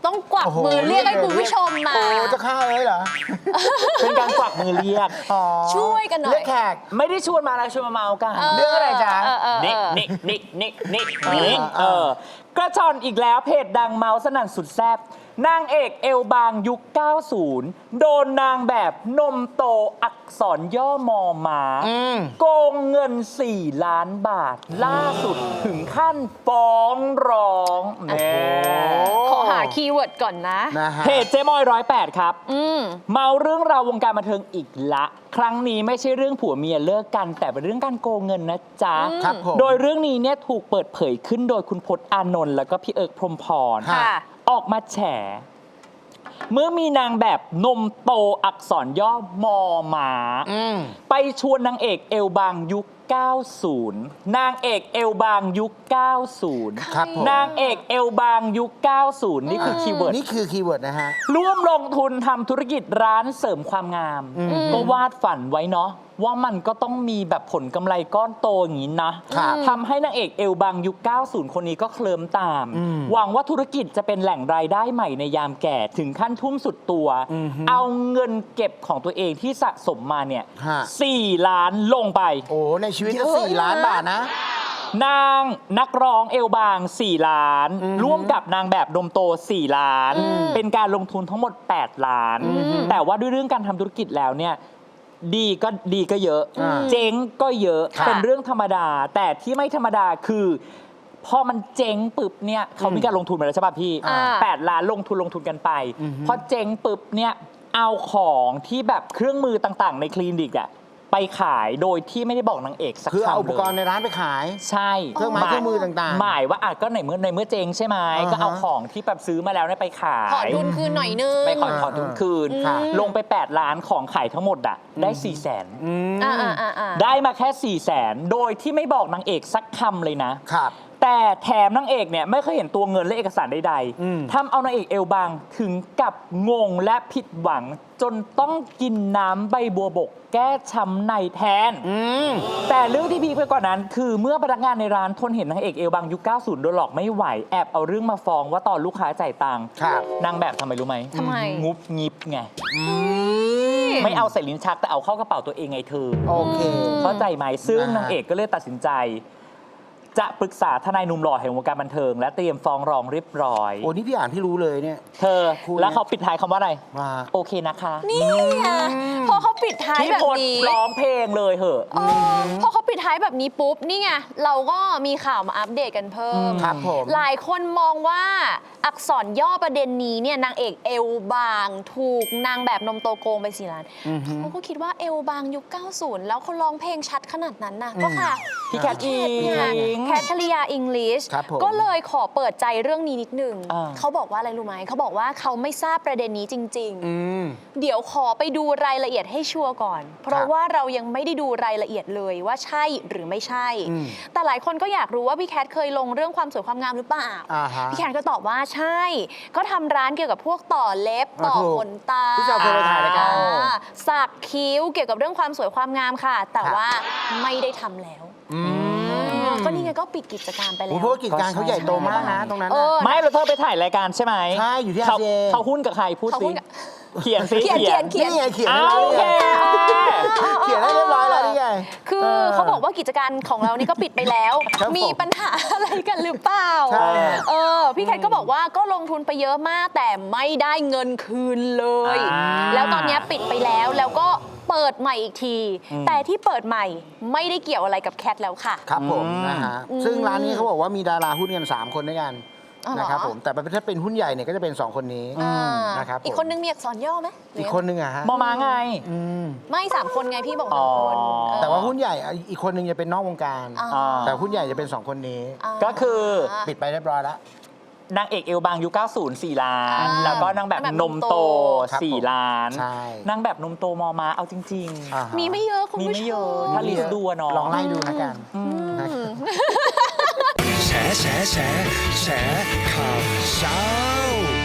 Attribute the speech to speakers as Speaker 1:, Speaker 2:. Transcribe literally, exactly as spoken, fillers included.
Speaker 1: ต้องกวักมือเรียกให้คุณผู้ชมมา
Speaker 2: โอ้จะฆ่าเลยเหรอ
Speaker 3: เป็นการกวักมือเรียก
Speaker 1: ช่วยกันหน่อย
Speaker 2: เรียกแขก
Speaker 3: ไม่ได้ชวนมาอะไรชวนมาเมากัน
Speaker 2: เรื่องอะไรจ๊ะ
Speaker 1: เออเออเอ
Speaker 3: นิก
Speaker 1: อ
Speaker 3: นิกนิกนิกนิก
Speaker 2: เออ
Speaker 3: นิก
Speaker 2: เอ
Speaker 3: เอ
Speaker 2: อ
Speaker 3: อกระชอนอีกแล้วเพจดังเมาสนั่นสุดแซ่บนางเอกเอวบางยุค เก้าสิบ โดนนางแบบนมโตอักษรย่อมอมา
Speaker 2: อืม
Speaker 3: โกงเงิน สี่ล้านบาท ล่าสุดถึงขั้นฟ้องร้องแหม
Speaker 1: ขอหาคีย์เวิร์ดก่อนนะ
Speaker 2: นะฮะ
Speaker 3: เพจเจ๊มอยร้อยแปดครับ
Speaker 1: อืม
Speaker 3: เมาเรื่องราววงการบันเทิงอีกละ ครั้งนี้ไม่ใช่เรื่องผัวเมียเลิกกัน แต่เป็นเรื่องการโกงเงินนะจ๊ะ
Speaker 2: ครับผม
Speaker 3: โดยเรื่องนี้เนี่ยถูกเปิดเผยขึ้นโดยคุณพจน์อานนท์แล้วก็พี่เอิร์กพรหมพร
Speaker 2: ค่ะ
Speaker 3: ออกมาแฉ เมื่อมีนางแบบนมโตอักษรย่อมอหมา
Speaker 2: อืม
Speaker 3: ไปชวนนางเอกเอลบางยุค เก้าสิบ นางเอกเอลบางยุค เก้าสิบ
Speaker 2: ครับผม
Speaker 3: นางเอกเอลบางยุค เก้าสิบ นี่คือคีย์เวิร์ด
Speaker 2: นี่คือคีย์เวิร์ดนะฮะ
Speaker 3: ร่วมลงทุนทำธุรกิจร้านเสริมความงาม
Speaker 2: อืม
Speaker 3: ก็วาดฝันไว้เนาะว่ามันก็ต้องมีแบบผลกำไรก้อนโตอย่างนี้นะครับ ทำให้นางเอกเอลบางยุค เก้าสิบ คนนี้ก็เคลิ้มตาม
Speaker 2: อืม
Speaker 3: หวังว่าธุรกิจจะเป็นแหล่งรายได้ใหม่ในยามแก่ถึงขั้นทุ่มสุดตัว
Speaker 2: อือฮึ
Speaker 3: เอาเงินเก็บของตัวเองที่สะสมมาเนี่ย
Speaker 2: ฮะ
Speaker 3: สี่ล้านลงไป
Speaker 2: โอ้ในชีวิต
Speaker 1: เย
Speaker 2: ก็
Speaker 1: อะ
Speaker 2: สี่ล้าน
Speaker 1: นะ
Speaker 2: บาทนะ
Speaker 3: นางนักร้องเอลบาง สี่ ล้าน
Speaker 2: อือฮึ
Speaker 3: ร่วมกับนางแบบนมโต สี่ ล้าน
Speaker 1: อืม
Speaker 3: เป็นการลงทุนทั้งหมด แปด ล้าน
Speaker 2: อือฮึ
Speaker 3: แต่ว่าด้วยเรื่องการทำธุรกิจแล้วเนี่ยดีก็ดีก็เยอะ
Speaker 2: อ่า
Speaker 3: เจ๊งก็เยอะ
Speaker 1: ค่ะ
Speaker 3: เป็นเรื่องธรรมดา แต่ที่ไม่ธรรมดาคือพอมันเจ๊งปึ๊บเนี่ยเขามีการลงทุนมาแล้วใช่ป่ะพี่
Speaker 1: อ่า
Speaker 3: แปดล้านลงทุนลงทุนกันไป
Speaker 2: อือฮึ
Speaker 3: พอเจ๊งปึ๊บเนี่ยเอาของที่แบบเครื่องมือต่างๆ ในคลินิกอะไปขายโดยที่ไม่ได้บอกนางเอกสัก
Speaker 2: คือเอา
Speaker 3: คำ
Speaker 2: อุปกรณ์
Speaker 3: เลย
Speaker 2: ในร้านไปขาย
Speaker 3: ใช่
Speaker 2: เครื่องไม้เครื่องมือต่างๆ
Speaker 3: หมายว่าอาจก็ในเมื่อในเมื่อเจ๊งใช่ไหม
Speaker 2: อ่าฮะ
Speaker 3: ก็เอาของที่แบบซื้อมาแล้วเนี่ยไปขาย
Speaker 1: ขอทุนคืนหน่อยนึง
Speaker 3: ไปขอขอทุนคืน
Speaker 2: ค่ะ
Speaker 3: ลงไป แปด ล้านของขายทั้งหมดอะได้ สี่ แสน
Speaker 2: อืม
Speaker 1: อ่าอ่าอ่าอ่า
Speaker 3: ได้มาแค่ สี่ แสน โดยที่ไม่บอกนางเอกสักคำเลยนะ
Speaker 2: ครับ
Speaker 3: แต่แถมนางเอกเนี่ยไม่เคยเห็นตัวเงินและเอกสารใด
Speaker 2: อืม
Speaker 3: ๆทำเอานางเอกเอลบางถึงกับงงและผิดหวัง จนต้องกินน้ำใบบัวบก แก้ช้ำในแทน
Speaker 2: อืม
Speaker 3: แต่เรื่องที่พีคไปกว่านั้น คือเมื่อพนักงานในร้านทนเห็นนางเอกเอลบางยุค เก้าสิบ โดนหลอกไม่ไหว แอบเอาเรื่องมาฟ้องว่าตอนลูกค้าจ่ายตังค์
Speaker 2: ครับ
Speaker 3: นางแบบทำไมรู้ไหม
Speaker 1: ทำไม
Speaker 3: งุบงิบไง
Speaker 2: อืม
Speaker 3: ไม่เอาใส่ลิ้นชักแต่เอาเข้ากระเป๋าตัวเองไงเธอ
Speaker 2: โอเค
Speaker 3: เข้าใจไหมซึ่ง
Speaker 2: นะฮะ
Speaker 3: นางเอกก็เลยตัดสินใจ จะปรึกษาทนายหนุ่มหล่อแห่งวงการบันเทิง และเตรียมฟ้องร้องเรียบร้อย
Speaker 2: โอ้นี่พี่อ่านพี่รู้เลยเนี่ย
Speaker 3: เธอ
Speaker 2: คุณ
Speaker 3: แล้วเขาปิดท้ายคำว่าอะไร
Speaker 2: ว่า
Speaker 3: โอเคนะคะ
Speaker 1: นี่ไงพอเขาปิดท้าย
Speaker 3: พี่
Speaker 1: แบบ
Speaker 3: พล
Speaker 1: นี้
Speaker 3: ร้องเพลงเลยเหอะ
Speaker 1: เออพอเขาปิดท้ายแบบนี้ปุ๊บ นี่ไง เราก็มีข่าวมาอัปเดตกันเพิ่ม
Speaker 2: ครับผม
Speaker 1: หลายคนมองว่าอักษรย่อประเด็นนี้เนี่ยนางเอกเอวบาง ถูกนางแบบนมโตโกงไปสี่ล้าน
Speaker 2: อือฮึ
Speaker 1: เขาก็คิดว่าเอวบางยุค เก้าสิบ แล้วเขาร้องเพลงชัดขนาดนั้นน่ะก็ค่ะ
Speaker 3: พี่แคทอิ
Speaker 1: เนี่ย
Speaker 3: ง
Speaker 1: แคทริยาอิงลิช
Speaker 2: ครับผม
Speaker 1: ก็เลยขอเปิดใจเรื่องนี้นิดนึง
Speaker 3: อ่า
Speaker 1: เขาบอกว่าอะไรรู้ไหมเขาบอกว่าเขาไม่ทราบประเด็นนี้จริง ๆ
Speaker 2: อืม
Speaker 1: เดี๋ยวขอไปดูรายละเอียดให้ชัวร์ก่อน เพราะว่าเรายังไม่ได้ดูรายละเอียดเลยว่าใช่หรือไม่ใช่
Speaker 2: อืม
Speaker 1: แต่หลายคนก็อยากรู้ว่าพี่แคทเคยลงเรื่องความสวยความงามหรือเปล่า
Speaker 2: อ่าฮะ
Speaker 1: พี่แคทก็ตอบว่าใช่ ก็ทำร้านเกี่ยวกับพวกต่อเล็บ ต่อ
Speaker 2: อ่าถูก
Speaker 1: ขนตา
Speaker 2: พี่เจ้าเคยไปถ่ายรายการ
Speaker 1: อ่สักคิ้วเกี่ยวกับเรื่องความสวยความงามค่ะ แต่
Speaker 2: ครับ
Speaker 1: ว่าไม่ได้ทำแล้ว
Speaker 2: อืม
Speaker 1: ก็นี่ไงก็ปิดกิจการไปแล้
Speaker 2: โอ้
Speaker 1: ว
Speaker 2: เพราะว่ากิจการเขาใหญ่โตมากนะตรงนั้น
Speaker 1: เอ
Speaker 2: น่ะ
Speaker 1: อ
Speaker 3: ไม่เราเธอไปถ่ายรายการใช่ไหม
Speaker 2: ใช่อยู่ที่
Speaker 3: เขา
Speaker 2: อาเจ
Speaker 3: เขาหุ้นกับใครพูด
Speaker 1: เขา
Speaker 3: สิ
Speaker 1: หุ้นกับ
Speaker 3: เขียนสิ
Speaker 1: เขียนเขียนเขียน
Speaker 2: นี่ไงเขียน
Speaker 3: อ้า
Speaker 2: ให้
Speaker 3: ว
Speaker 2: เรา
Speaker 3: โอ
Speaker 2: เนี่
Speaker 3: เค
Speaker 2: ยเขียนให้เรียบร้อยแล้วนี่ไง
Speaker 1: คือ
Speaker 2: เออ
Speaker 1: เขาบอกว่ากิจการของเรานี่ก็ปิดไปแล้ว
Speaker 2: ครับผม
Speaker 1: มีปัญหาอะไรกันหรือเปล่า
Speaker 2: ใช่
Speaker 1: เออ พี่แคทก็บอกว่าก็ลงทุนไปเยอะมากแต่ไม่ได้เงินคืนเลย
Speaker 3: อ่า
Speaker 1: แล้วตอนนี้ปิดไปแล้วแล้วก็เปิดใหม่อีกที
Speaker 3: อืม
Speaker 1: แต่ที่เปิดใหม่ไม่ได้เกี่ยวอะไรกับแคทแล้วค่ะ
Speaker 2: ครับผม
Speaker 3: อืม
Speaker 2: นะฮะ
Speaker 1: อืม
Speaker 2: ซึ่งร้านนี้เขาบอกว่ามีดาราหุ้นกันสามคนด้วยกัน
Speaker 1: อ๋อเหรอ
Speaker 2: นะครับผมแต่ถ้าเป็นหุ้นใหญ่เนี่ยก็จะเป็นสองคนนี้
Speaker 1: อ่า
Speaker 2: นะครับผม
Speaker 1: อีกคนนึงมีอักษรย่อไหมหรื
Speaker 2: อีก
Speaker 1: ยัง
Speaker 2: คนนึงอะฮะ
Speaker 3: มอมาไง
Speaker 2: อืม
Speaker 1: ไม่สามคนไงพี่บอกสามคน
Speaker 3: อ๋อ
Speaker 1: เออ
Speaker 2: แต่ว่าหุ้นใหญ่อีกคนนึงจะเป็นนอกวงการ
Speaker 1: อ่า
Speaker 2: แต่หุ้นใหญ่จะเป็นสองคนนี้
Speaker 1: อ่า
Speaker 3: ก็คือ
Speaker 2: ปิดไปเรียบร้อยแล้ว
Speaker 3: นางเอกเอลบางยุค เก้าสิบ สี่ ล้าน
Speaker 1: อ่า
Speaker 3: แล้วก็นางแบบ
Speaker 1: นางแบบ
Speaker 3: น
Speaker 1: น
Speaker 3: ม
Speaker 1: ม
Speaker 3: โต
Speaker 1: โต
Speaker 2: ครับ
Speaker 3: สี่
Speaker 2: ผม
Speaker 3: ล้าน
Speaker 2: ใช่
Speaker 3: นางแบบนมโตมอมาเอาจริง
Speaker 2: อ่าฮะ
Speaker 1: มีไม่เยอะคุณ
Speaker 3: มี
Speaker 1: ผู้
Speaker 3: ไม่
Speaker 1: ช
Speaker 3: เยอะ
Speaker 1: ม
Speaker 3: ถ้าลิสต์ดูอะเนาะ
Speaker 2: ลองไล่ดูนะกัน
Speaker 3: อืม
Speaker 2: นะครับ
Speaker 4: แฉแฉแฉแฉข่าวเช้า